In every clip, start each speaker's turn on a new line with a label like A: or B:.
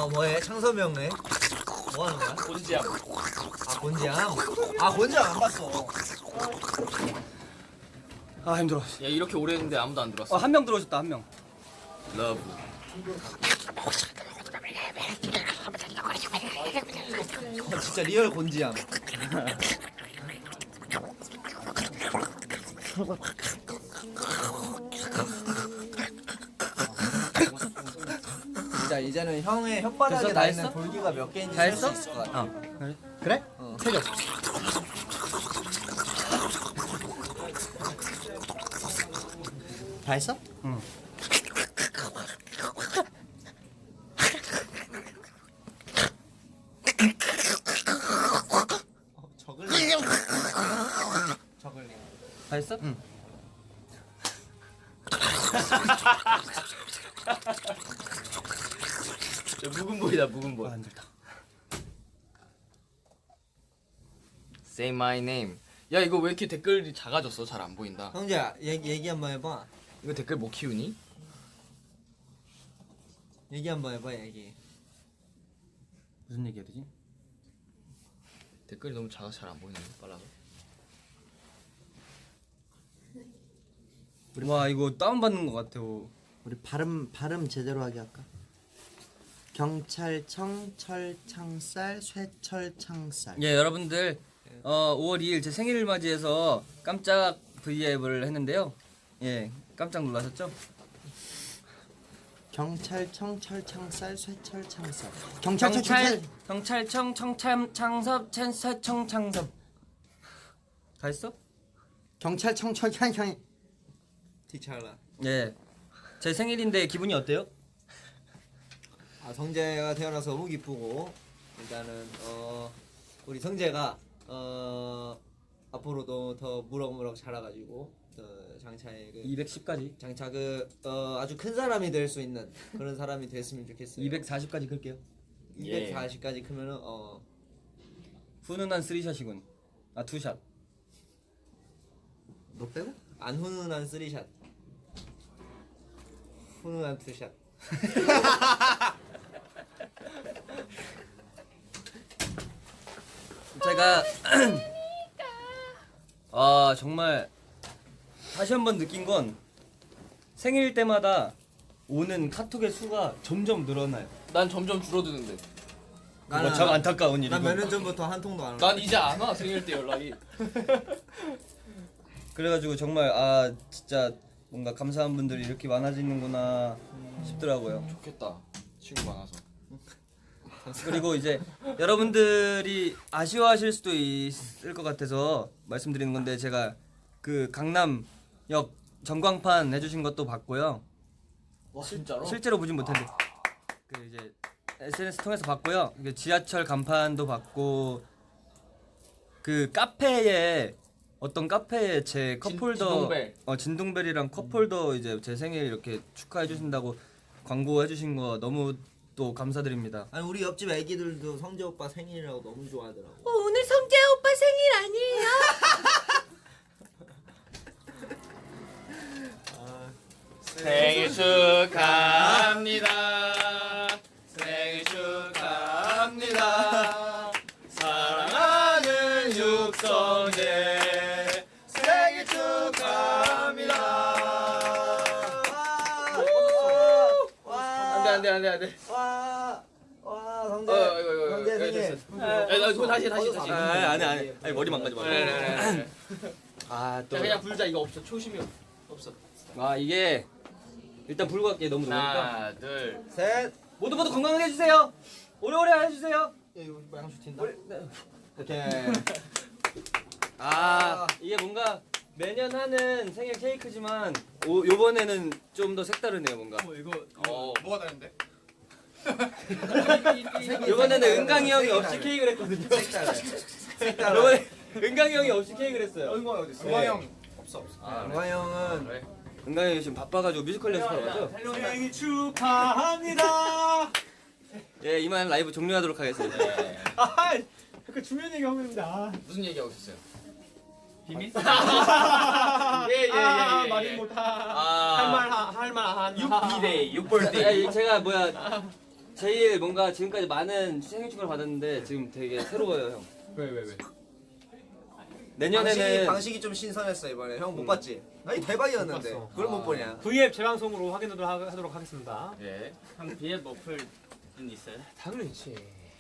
A: 뭐해? 창섭이 형네? 뭐 하는 거야?
B: 곤지암.
A: 아 곤지암? 아 곤지암 안 봤어.
C: 아 힘들어.
B: 야 이렇게 오래 했는데 아무도 안 들어왔어.
C: 한 명 들어오셨다 한 명.
B: 러브.
A: 진짜 리얼 곤지암. 진짜 이제는 형의 혓바닥에
C: 됐어? 다
A: 나 있는
C: 했어?
A: 볼기가 몇 개인지
C: 다
A: 셀
C: 했어?
A: 수 있을 것 같아.
C: 그래? 그래?
A: 어.
C: 세죠.
A: 다 했어?
C: 응.
A: 저글링. 저글링.
C: 다 했어? 응.
B: 묵은 보이다 묵은 보이.
C: 아 힘들다.
B: Say my name. 야 이거 왜 이렇게 댓글이 작아졌어? 잘 안 보인다.
A: 형제야 얘기 한번 해봐.
B: 이거 댓글 못 키우니?
A: 얘기 한번 해봐 얘기.
C: 무슨 얘기해야 되지?
B: 댓글이 너무 작아서 잘 안 보이네. 빨라서.
C: 와 이거 다운 받는 것 같아요.
D: 우리 발음 제대로 하게 할까? 경찰청 철창살 쇠철창살.
C: 예 여러분들 5월 2일 제 생일을 맞이해서 깜짝 V앱을 했는데요. 예 깜짝 놀라셨죠?
D: 경찰청 철창살 쇠철창살. 경찰청
C: 경찰청 청참창섭 챈서청창섭 다 했어?
D: 경찰청 철창청.
A: 티찰라.
C: 예. 제 생일인데 기분이 어때요?
A: 아 성재가 태어나서 너무 기쁘고 일단은 우리 성재가 앞으로도 더 무럭무럭 자라가지고 장차에
C: 210까지.
A: 장차 아주 큰 사람이 될 수 있는 그런 사람이 됐으면 좋겠어요.
C: 240까지 끌게요.
A: 240까지 크면은
C: 훈훈한 3샷이군. 아 2샷.
D: 너 빼고?
A: 안 훈훈한 3샷. 훈훈한 2샷.
C: 제가 정말 다시 한번 느낀 건 생일 때마다 오는 카톡의 수가 점점 늘어나요.
B: 난 점점 줄어드는데.
C: 그거 참 안타까운 일이고.
A: 난 몇 년 전부터 한 통도 안
B: 난 이제 안 와 생일 때 연락이.
C: 그래가지고 정말 진짜 뭔가 감사한 분들이 이렇게 많아지는구나 싶더라고요.
B: 좋겠다. 친구 많아서.
C: 그리고 이제 여러분들이 아쉬워하실 수도 있을 것 같아서 말씀드리는 건데 제가 그 강남역 전광판 해주신 것도 봤고요.
B: 와 진짜로?
C: 실제로 보진 못했는데 그 이제 SNS 통해서 봤고요. 그 지하철 간판도 봤고 그 카페에 어떤 카페에 제 컵홀더
B: 진동벨.
C: 진동벨이랑 컵홀더 이제 제 생일 이렇게 축하해 주신다고 광고해 주신 거 너무 또 감사드립니다.
A: 아니 우리 옆집 애기들도 성재 오빠 생일이라고 너무 좋아하더라고.
E: 오늘 성재 오빠 생일 아니에요?
B: 생일 축하합니다. 생일 축하합니다. 사랑하는 육성재 생일 축하합니다. 안돼.
A: 와 성재.
B: 이거.
A: 성재 생일.
B: 이거 다시.
C: 아니 머리 망가지 마.
B: 또 그냥 불자 이거 없어. 초심이 없어.
C: 이게 일단 불고 갈게 너무 더우니까.
B: 하나, 둘.
A: 셋.
C: 모두 건강하게 해주세요. 오래오래 해주세요.
A: 이거 양수 튄다. 오케이.
C: 이게 뭔가 매년 하는 생일 케이크지만 요번에는 좀 더 색다르네요 뭔가.
B: 뭐가 다른데?
C: 요번에는 은강이 형이 없이 케이크를 했거든요.
A: 색깔.
C: 요번에 은강이 형이 없이 케이크를 했어요.
B: 은광이 어디 있어?
A: 은광이
B: 형 없어.
A: 은광 형은
B: 그래.
C: 은강이 형이 지금 바빠가지고 뮤지컬 연습하러 가죠.
B: 생일 축하합니다.
C: 예 이만 라이브 종료하도록 하겠습니다.
F: 그 중요한 얘기 하고 있는데
B: 무슨 얘기하고 있었어요?
F: 비밀?
B: 예.
F: 말이 못하
B: 할말
F: 할말 안
B: 6비데이, 6벌데이.
C: 제가 제일 뭔가 지금까지 많은 생일 축하를 받았는데 지금 되게 새로워요 형.
F: 왜?
C: 내년에는
A: 방식이 좀 신선했어 이번에. 형 못 봤지? 아니 대박이었는데.
F: 못 봤어.
A: 그걸 못 보냐?
F: V앱 재방송으로 하도록 하겠습니다.
B: 예. 형 비엣 머플은 있어요?
F: 당연히 있지.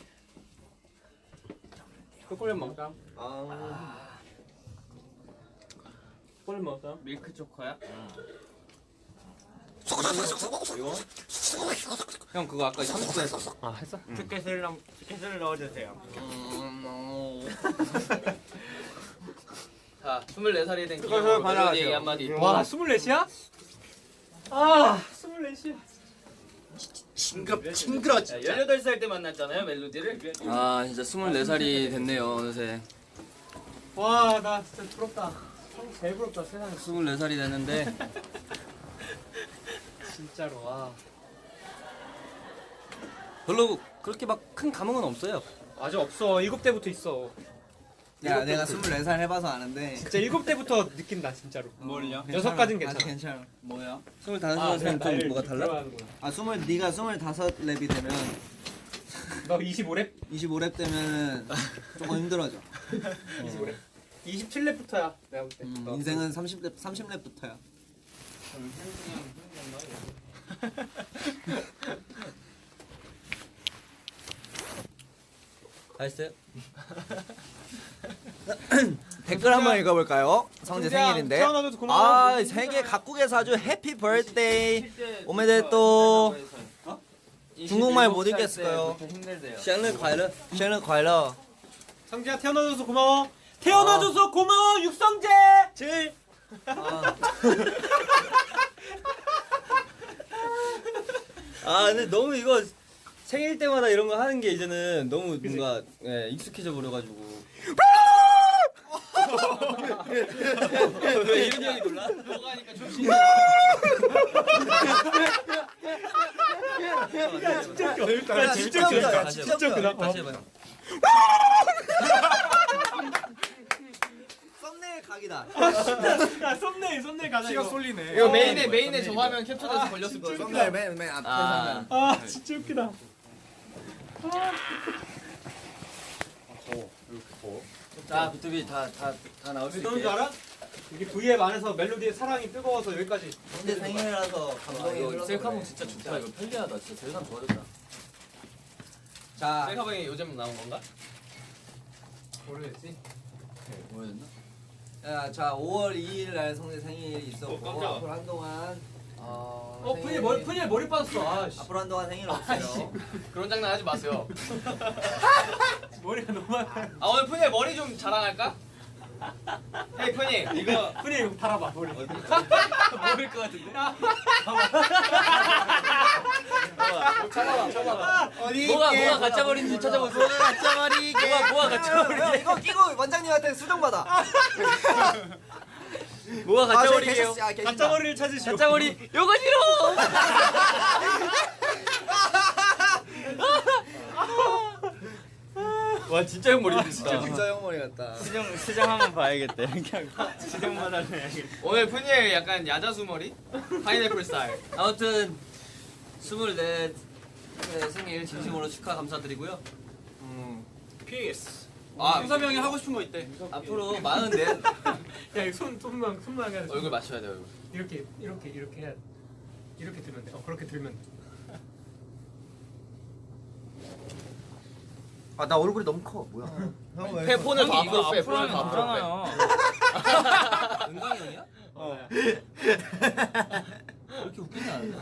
B: 초콜릿 먹자.
A: 아.
B: 초콜릿 먹자. 밀크 초코야?
C: 형 그거 아까 30분 했어.
F: 아 했어?
B: 티켓을 넣어주세요. 자, 24살이 된 기념으로 멜로디 한마디.
F: 와 24이야? 아 24이야.
A: 징그러
B: 자, 18살 때 만났잖아요 멜로디를.
C: 아 진짜 24살이 됐네요 어느새.
F: 와 나 진짜 부럽다. 제일 부럽다 세상에.
C: 24살이 됐는데
F: 진짜로 와.
C: 별로 그렇게 막 큰 감흥은 없어요.
F: 아직 없어. 7대부터 있어.
A: 야 내가 24살 해봐서 아는데.
F: 진짜 7대부터 느낀다 진짜로.
B: 뭘요?
F: 6까진 괜찮아.
A: 아직 괜찮아.
B: 뭐야?
C: 25살은 좀 뭐가 달라?
A: 아 네가 25랩이 되면
F: 너 25랩?
A: 25랩 되면은 조금 힘들어져.
F: 25랩? 27랩부터야 내가 볼 때.
A: 인생은 30랩부터야.
C: 다 했어요?
A: 댓글 한번 읽어볼까요? 성재 생일인데.
F: 태어나줘서 고마워.
A: 아 세계 각국에서 아주 해피 버스데이 오메데또. 중국말 못 읽겠어요.
B: 힘들대요.
C: 샹르 과일은
A: 생일 快乐.
F: 성재야 태어나줘서 고마워. 태어나줘서 고마워 육성재. 질.
C: 아 근데 너무 이거 생일 때마다 이런 거 하는 게 이제는 너무 뭔가 예, 익숙해져 버려가지고. 왜 이런 형이 놀라?
B: 너가 하니까 조심.
F: 진짜 웃겨.
A: 야, 진짜 웃겨. 야,
C: 다시
A: 진짜
F: 진짜
A: 웃겨.
F: 웃겨.
C: 다시 해봐요.
A: 썸네일 각이다.
F: 야 썸네일 가자.
B: 피가
F: 이거.
B: 쏠리네. 이거 메인에 저 화면 캡처돼서 걸렸을 거예요.
A: 썸네일 맨 앞에
C: 아.
A: 화면.
F: 아 진짜 웃기다.
C: 자 비투비 다 나올 수
F: 왜 그런
C: 있게.
F: 줄 알아? 이게 V앱 안에서 멜로디의 사랑이 뜨거워서 여기까지.
A: 성재 생일이라서
C: 아,
A: 감동이
C: 이거
A: 흘러서
C: 셀카봉
A: 그래.
C: 진짜 좋다. 이거 편리하다. 진짜 세상 좋아졌다.
A: 자
B: 셀카봉이 요즘 나온 건가?
F: 모르겠지.
C: 뭐였나?
A: 자 5월 2일 날 성재 생일이 있었고
B: 깜짝아.
A: 앞으로 한동안
F: 푸니엘 머리 빠졌어. 아씨.
A: 앞으로 한동안 생일 없어요.
B: 그런 장난 하지 마세요.
F: 머리가 너무 많아.
B: 아 오늘 푸니의 머리 좀 자랑할까? 헤이 푸니 이거
F: 푸니엘 이거 달아봐 머리.
C: 모를 것 같은데?
B: 잡아봐.
A: 어디
C: 뭐가 가짜 머리인지 찾아보세요.
A: 가짜 머리 이게.
C: 뭐가 가짜 머리?
A: 이거 끼고 원장님한테 수정 받아.
C: 뭐가 가짜 머리예요?
F: 가짜 머리를 찾으시오.
C: 가짜 머리 요거 싫어. 와 진짜 형 머리 진짜.
A: 진짜 형 머리 같다.
C: 수정 한번 봐야겠다. 이렇게 수정마다 해야겠다.
B: 오늘 푸니의 약간 야자수 머리? 파인애플 스타일.
C: 아무튼 24 생일 진심으로 축하 감사드리고요.
B: 피스.
C: 아,
B: 승섭이 형이 하고 싶은 거 있대.
C: 앞으로 44
F: 야 이거 손만 해야 돼.
B: 얼굴 맞춰야 돼 얼굴.
F: 이렇게 해야 돼. 이렇게 들면 돼. 그렇게 들면 돼.
A: 아 나 얼굴이 너무 커. 뭐야? 형
B: 폰을 더 앞으로 빼. 폰을 더 앞으로 빼.
C: 은광이 형이야? 그렇게 웃기지 않은데?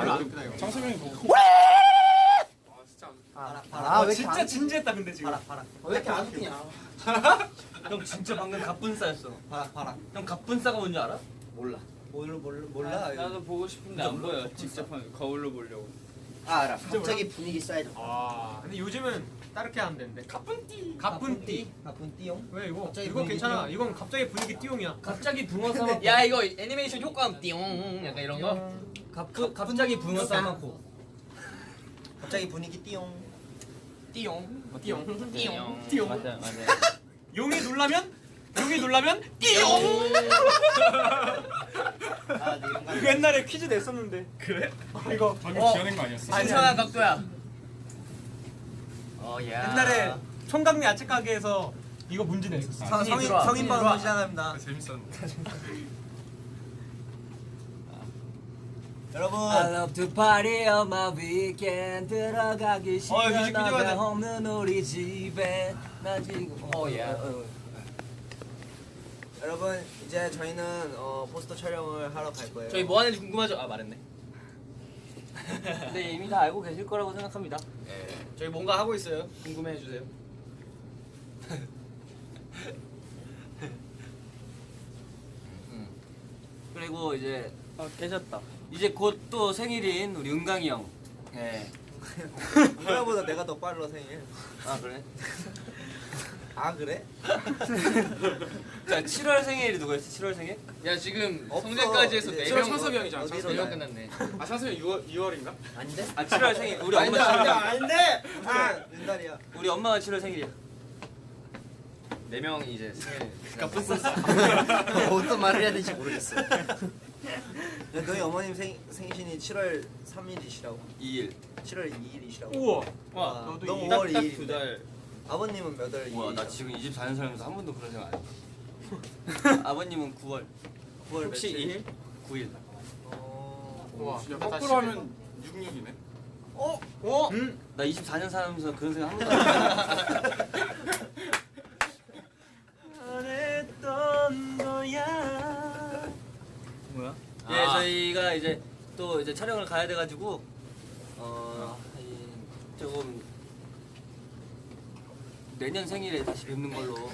A: 아, 왜
F: 진짜 진지했다 근데 지금.
A: 봐라. 왜 이렇게 안 웃기냐?
C: 형 진짜 방금 갑분싸였어.
A: 봐라.
C: 형 갑분싸가 뭔지 알아?
A: 몰라. 몰라.
B: 나도 보고 싶은데 안 보여. 직접 거울로 보려고.
A: 알아. 갑자기 분위기 쌓이죠.
F: 아 근데 요즘은 따르게 하면 되는데. 가뿐띠.
A: 가쁜 띠용.
F: 왜 이거?
A: 갑자기
F: 이거
A: 분위기
F: 괜찮아.
A: 띠용.
F: 이건 갑자기 분위기 띠용이야.
C: 갑자기 붕어 싸먹고
B: 야 이거 애니메이션 효과음 띠용 약간 이런 거.
C: 갑자기 붕어 싸먹고
A: 갑자기 분위기 띠용.
B: 띠용.
C: 맞아.
F: 용이 놀라면 띠용. 이거 옛날에 퀴즈 냈었는데. 그래? 이거
B: 괜찮은 각도야. 야.
F: 옛날에 총각리 야채 가게에서 이거 문제 냈었어.
A: 성인방송 시작합니다.
G: 재밌었는데.
A: 여러분
C: I love to party on my weekend 들어가기 싫어 너가 없는 우리 집에 나 지금
A: 여러분 이제 저희는 포스터 촬영을 하러 갈 거예요.
B: 저희 뭐 하는지 궁금하죠? 아 말했네.
C: 근데 이미 다 알고 계실 거라고 생각합니다.
B: 예. 저희 뭔가 하고 있어요. 궁금해 주세요.
C: 그리고 이제
F: 깨졌다.
C: 이제 곧 또 생일인 우리 은강이 형. 예.
A: 누나보다 내가 더 빨라 생일.
C: 아 그래?
A: 아 그래?
C: 자 7월 생일이 누구였지? 7월 생일?
B: 야 지금
A: 없어.
B: 성대까지 해서
A: 이제
B: 4명
G: 창섭이 형이잖아,
A: 어디로
G: 창섭이
B: 4명
A: 가요?
B: 끝났네.
G: 아 찬성이 2월인가?
A: 아닌데?
C: 아 7월 생일. 우리
A: 아닌데
C: 엄마
A: 아닌데
C: 7월.
A: 아닌데. 아 윤달이야.
C: 우리 엄마가 7월 생일이야.
B: 4명이 이제 생일.
A: 어떤 말을 해야 될지 모르겠어. 너희 어머님 생신이 7월 3일이시라고?
C: 2일.
A: 7월 2일이시라고?
F: 우와.
A: 와,
F: 너도
A: 너
F: 이-
A: 5월
B: 딱
A: 2일.
B: 2달.
A: 아버님은 몇 월 2일?
C: 우와 나 지금 24년 살면서 한 번도 그런 생각 안 했어. 아버님은 9월.
A: 9월
C: 혹시
A: 며칠?
C: 9일.
G: 와, 야,
B: 다
G: 거꾸로
B: 10일.
G: 하면 66이네.
C: 나 24년 살면서 그런 생각 한 번도 안 했어.
F: 잘했던 거야.
C: 뭐야?
B: 아.
C: 예, 저희가 이제 또 이제 촬영을 가야 돼가지고 조금 내년 생일에 다시 뵙는 걸로.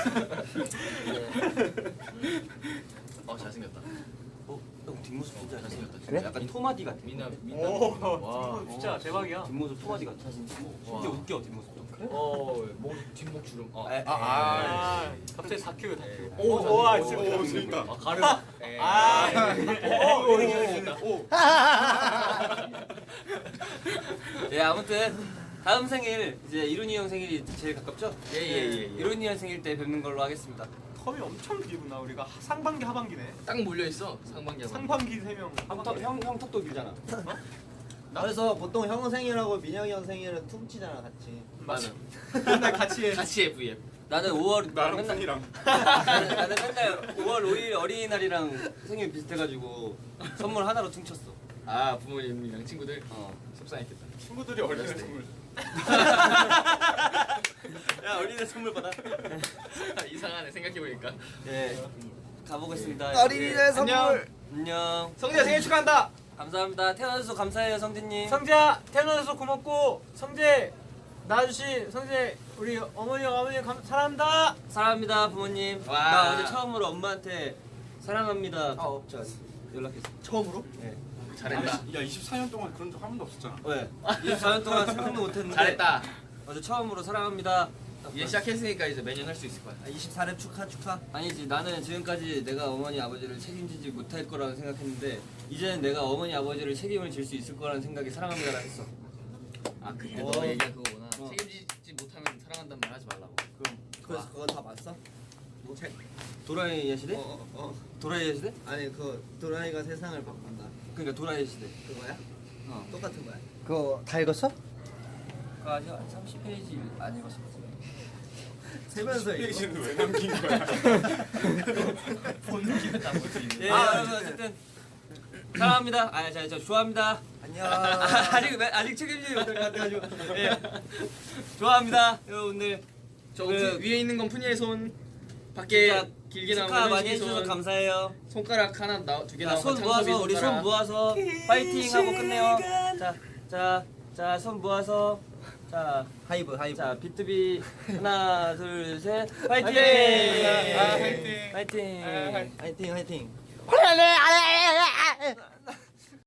B: 잘생겼다.
C: 형 뒷모습 진짜 잘생겼다. 진짜
A: 그래?
C: 약간 토마디 같아.
B: 민나
F: 오,
B: 와.
F: 진짜 대박이야.
C: 뒷모습 토마디 같아. 진짜 웃겨 뒷모습.
B: 목 뒷목 주름.
F: 갑자기 4kg 다.
G: 오,
F: 와,
G: 오,
F: 진짜.
G: 오, 재밌다.
B: 가름.
C: 예, 아무튼 다음 생일 이제 이룬이 형 생일이 제일 가깝죠?
B: 예.
C: 이룬이 형 생일 때 뵙는 걸로 하겠습니다.
F: 텀이 엄청 길구나. 우리가 상반기 하반기네.
B: 딱 몰려 있어. 상반기.
F: 상반기 3명.
C: 형 턱도 길잖아.
A: 그래서 보통 형 생일하고 민혁이 형 생일은 퉁치잖아 같이.
B: 맞아.
F: 맨날 같이 해.
B: 같이 해 V앱.
C: 나는 5월
G: 나랑
C: 맨날
G: fun이랑.
C: 나는 맨날 5월 5일 어린이날이랑 생일 비슷해가지고 선물 하나로 퉁쳤어.
B: 아 부모님이랑 친구들.
C: 어.
B: 속상했겠다.
G: 친구들이 어린이 선물.
C: 야 어린이날 선물 받아.
B: 이상하네 생각해보니까.
C: 예. 가보겠습니다.
A: 어린이날
C: 예.
A: 선물.
C: 안녕.
F: 성재야 생일 축하한다.
C: 감사합니다. 태어나줘서 감사해요 성진님.
F: 성재야 태어나서 고맙고 성재 나아주신 성재 우리 어머니 아버님 사랑한다.
C: 사랑합니다 부모님.
B: 와.
C: 나 어제 처음으로 엄마한테 사랑합니다.
A: 없죠.
C: 연락했어.
A: 처음으로?
C: 네.
B: 잘했다.
G: 야 24년 동안 그런 적 한 번도 없었잖아.
C: 왜? 24년 동안 생각도 못했는데.
B: 잘했다.
C: 어제 처음으로 사랑합니다.
B: 이제 시작했으니까 이제 매년 할 수 있을 거야.
A: 24렙 축하.
C: 아니지 나는 지금까지 내가 어머니 아버지를 책임지지 못할 거라고 생각했는데 이제는 내가 어머니 아버지를 책임을 질 수 있을 거라는 생각에 사랑합니다라 했어.
B: 아 그때 너 얘기한 그거구나.
C: 어.
B: 책임지지 못하면 사랑한다는 말 하지 말라고.
A: 그래서 그거 다 봤어? 책.
C: 도라이의 시대? 도라이의 시대?
A: 아니 그 도라이가 세상을 바꾼다.
C: 그러니까 도라이의 시대.
A: 그거야?
C: 어.
A: 똑같은 거야?
D: 그거 다 읽었어?
C: 그 아직 30페이지 안 읽었어.
A: 세면서 이거.
G: 페이지는 왜 남긴 거야?
B: 보는 기분 나쁘지.
C: 예, 여러분 어쨌든 사랑합니다. 저 좋아합니다.
A: 안녕.
C: 아직 책임지지 못할 것 같아가지고. 예. 좋아합니다, 여러분들.
B: 저
C: 그-
B: 위에 있는 건 푸니의 손. 밖에
C: 진짜
B: 길게 나온
C: 축하
B: 건
C: 많이
B: 현식이
C: 해주셔서
B: 손.
C: 감사해요.
B: 손가락 하나 두개
C: 자,
B: 나온
C: 손
B: 건
C: 모아서
B: 창섭이
C: 우리 손
B: 손가락.
C: 모아서 파이팅 하고 끝내요. 자, 손 모아서 자,
A: 하이브.
C: 자 비투비 하나, 둘, 셋, 파이팅!
F: 파이팅!
C: 파이팅!
F: 파이팅!
A: 화이팅.
D: 화이팅.